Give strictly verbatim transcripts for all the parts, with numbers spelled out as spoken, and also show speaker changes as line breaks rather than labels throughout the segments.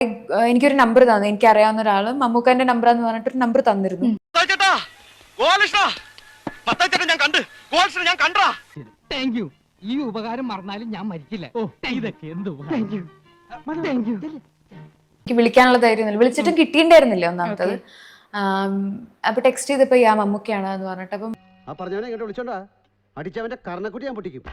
എനിക്കൊരു നമ്പർ തന്നു, എനിക്ക് അറിയാവുന്ന ഒരാള് മമ്മൂക്കാന്റെ നമ്പർ എന്ന് പറഞ്ഞിട്ട് ഒരു നമ്പർ തന്നിരുന്നു.
ഈ ഉപകാരം മറന്നാലും ഞാൻ മരിക്കില്ല.
എനിക്ക് വിളിക്കാനുള്ള ധൈര്യം വിളിച്ചിട്ടും കിട്ടിയിട്ടുണ്ടായിരുന്നില്ല ഒന്നാമത്തത്. അപ്പൊ ടെക്സ്റ്റ് ചെയ്തപ്പോ യാ മമ്മൂക്കയാണ് എന്ന് പറഞ്ഞിട്ട് അപ്പം
പറഞ്ഞവനെ ഇങ്ങോട്ട് വിളിച്ചോണ്ടാ അടിച്ചവന്റെ കർണക്കുട്ടി ഞാൻ പൊട്ടിക്കും.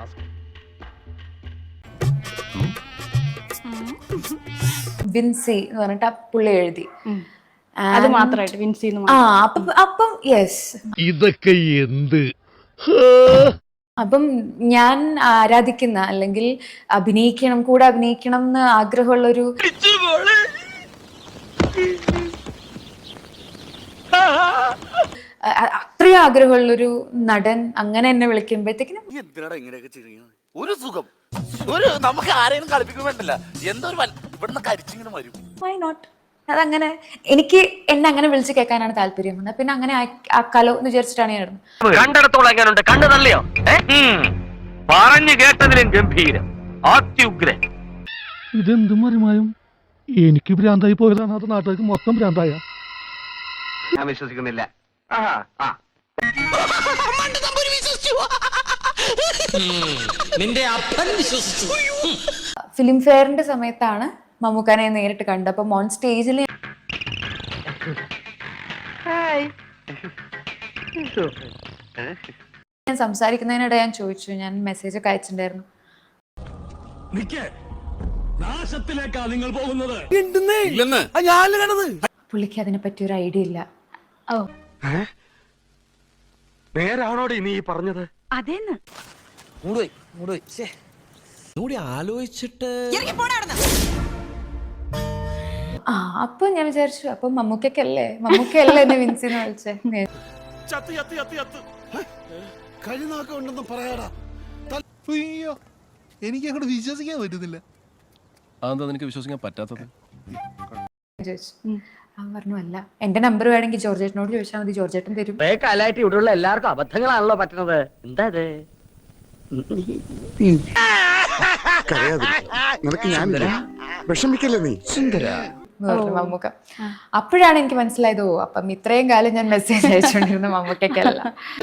വിൻസി എന്ന് പറഞ്ഞിട്ട് ആ പുള്ളി എഴുതി.
അത് മാത്രമായിട്ട് വിൻസി
ആ അപ്പം യെസ്
ഇതൊക്കെ എന്ത്.
അപ്പം ഞാൻ ആരാധിക്കുന്ന അല്ലെങ്കിൽ അഭിനയിക്കണം കൂടെ അഭിനയിക്കണം എന്ന് ആഗ്രഹമുള്ളൊരു അത്രയും ആഗ്രഹമുള്ളൊരു നടൻ അങ്ങനെ എന്നെ വിളിക്കുമ്പോഴത്തേക്കിനും
ഒരു സുഖം ഒരു നമുക്ക് ആരെയും കളിപ്പിക്കുമ്പോഴല്ല എന്തോ ഇവിടുന്ന് കരിച്ചിങ്ങനെ വരും.
Why not? അതങ്ങനെ എനിക്ക് എന്നെ അങ്ങനെ വിളിച്ച് കേൾക്കാനാണ് താല്പര്യം. പിന്നെ അങ്ങനെ ആക്കാലോ എന്ന് വിചാരിച്ചിട്ടാണ് ഞാൻ ഇടുന്നത്.
കണ്ടിടത്തോളം എങ്ങനെയുണ്ട്? കണ്ടു തള്ളിയോ? പറഞ്ഞു കേട്ടതിലും ഗംഭീരം, അത്യുഗ്രൻ.
ഇതെന്ത് മറിമായും എനിക്ക് ഭ്രാന്തായി പോയതാണ്, അത് നാട്ടുകാർക്ക് മൊത്തം ഭ്രാന്തായ.
ഞാൻ വിശ്വസിക്കുന്നില്ല.
നിന്റെ അപ്പൻ വിശ്വസിച്ചു.
ഫിലിം ഫെയറിന്റെ സമയത്താണ് മമ്മൂക്കാനെ നേരിട്ട് കണ്ടത്. അപ്പൊ മോൺ സ്റ്റേജിൽ ഞാൻ സംസാരിക്കുന്നതിനിടെ ഞാൻ ചോദിച്ചു, ഞാൻ മെസ്സേജ് ഒക്കെ അയച്ചിട്ടുണ്ടായിരുന്നു, പുള്ളിക്ക് അതിനെ പറ്റി ഒരു ഐഡിയ ഇല്ല.
ഓ
നേരാണോടി നീ പറഞ്ഞത്?
അതേന്ന്
ആലോചിച്ചിട്ട്
ആ അപ്പൊ ഞാൻ വിചാരിച്ചു അപ്പൊ മമ്മൂക്കല്ലേ മമ്മൂക്കല്ലേ എന്നെ വിൻസിന്ന് വിളിച്ചേ.
എനിക്ക് അങ്ങോട്ട് വിശ്വസിക്കാൻ പറ്റുന്നില്ല. അതെന്താ നിനക്ക് വിശ്വസിക്കാൻ പറ്റാത്തത്?
അവൻ പറഞ്ഞു അല്ല എന്റെ നമ്പർ വേണമെങ്കിൽ ജോർജേട്ടനോട് ചോദിച്ചാൽ മതി, ജോർജേട്ടൻ തരും.
കാലായിട്ട് ഇവിടെയുള്ള എല്ലാവർക്കും അബദ്ധങ്ങളാണല്ലോ പറ്റുന്നത്. എന്താ
വിഷമിക്കല്ലേ നീ സുന്ദര
മമ്മൂക്ക. അപ്പോഴാണ് എനിക്ക് മനസ്സിലായത്, ഓ അപ്പം ഇത്രയും കാലം ഞാൻ മെസ്സേജ് അയച്ചുകൊണ്ടിരുന്ന മമ്മൂക്കല്ല.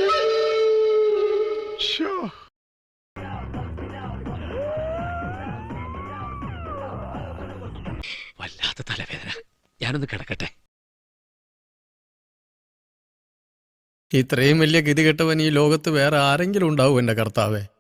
വല്ലാത്ത തലവേദന, ഞാനൊന്ന് കിടക്കട്ടെ.
ഇത്രയും വലിയ ഗതികെട്ടവൻ ഈ ലോകത്ത് വേറെ ആരെങ്കിലും ഉണ്ടാവും എന്റെ കർത്താവേ?